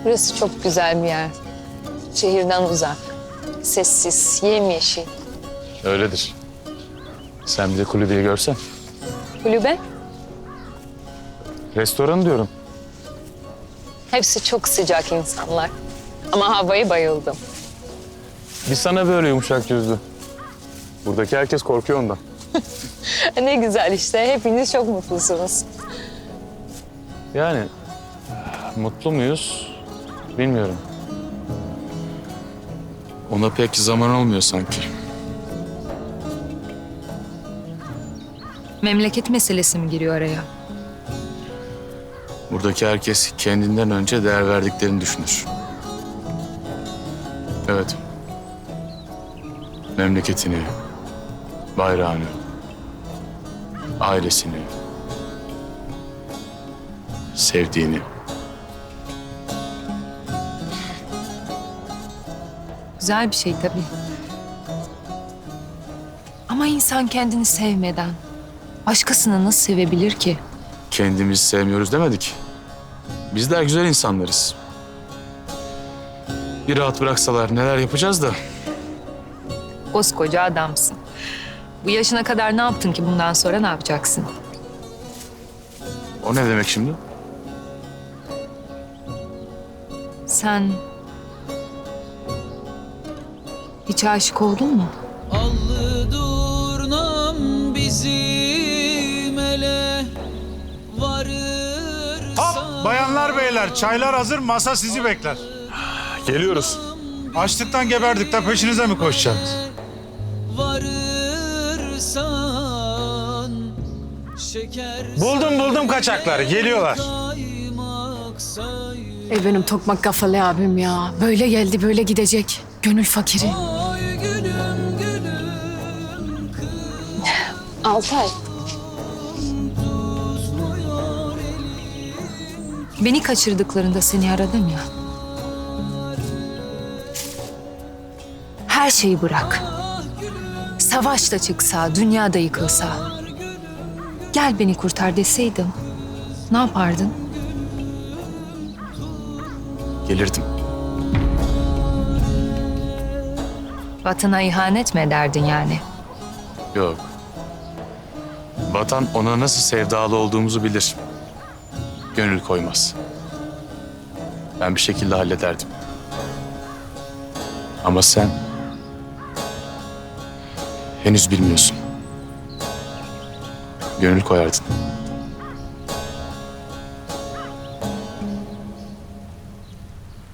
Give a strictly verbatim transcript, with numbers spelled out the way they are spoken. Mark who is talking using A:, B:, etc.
A: Burası çok güzel bir yer. Şehirden uzak. Sessiz, yemyeşil.
B: Öyledir. Sen bir de kulübeyi görsen.
A: Kulübe.
B: Restoran diyorum.
A: Hepsi çok sıcak insanlar. Ama havayı bayıldım.
B: Biz sana böyle yumuşak yüzlü. Buradaki herkes korkuyor ondan.
A: Ne güzel işte. Hepiniz çok mutlusunuz.
B: Yani mutlu muyuz bilmiyorum. Ona pek zaman olmuyor sanki.
C: Memleket meselesi mi giriyor araya?
B: Buradaki herkes kendinden önce değer verdiklerini düşünür. Evet. Memleketini, bayrağını, ailesini, sevdiğini.
C: Güzel bir şey tabii. Ama insan kendini sevmeden başkasını nasıl sevebilir ki?
B: Kendimizi sevmiyoruz demedik. Bizler güzel insanlarız. Bir rahat bıraksalar neler yapacağız da.
C: Koskoca adamsın. Bu yaşına kadar ne yaptın ki bundan sonra ne yapacaksın?
B: O ne demek şimdi?
C: Sen hiç aşık oldun mu?
D: Allı durnam bizim ele varırsa.
E: Hop bayanlar beyler çaylar hazır masa sizi bekler.
B: Geliyoruz.
E: Açlıktan geberdik de peşinize mi koşacağız?
D: Varırsan şeker
E: Buldum buldum kaçakları geliyorlar.
D: saymak say.
F: Ey benim tokmak kafalı abim ya. Böyle geldi böyle gidecek. Gönül fakiri.
D: Oy gülüm gülüm
A: Altay.
D: kızmıyor elim.
C: Beni kaçırdıklarında seni aradım ya. Her şeyi bırak. Savaş da çıksa, dünya da yıkılsa. Gel beni kurtar deseydim. Ne yapardın?
B: Gelirdim.
C: Vatana ihanet mi ederdin yani?
B: Yok. Vatan ona nasıl sevdalı olduğumuzu bilir. Gönül koymaz. Ben bir şekilde hallederdim. Ama sen henüz bilmiyorsun. Gönül koyardın.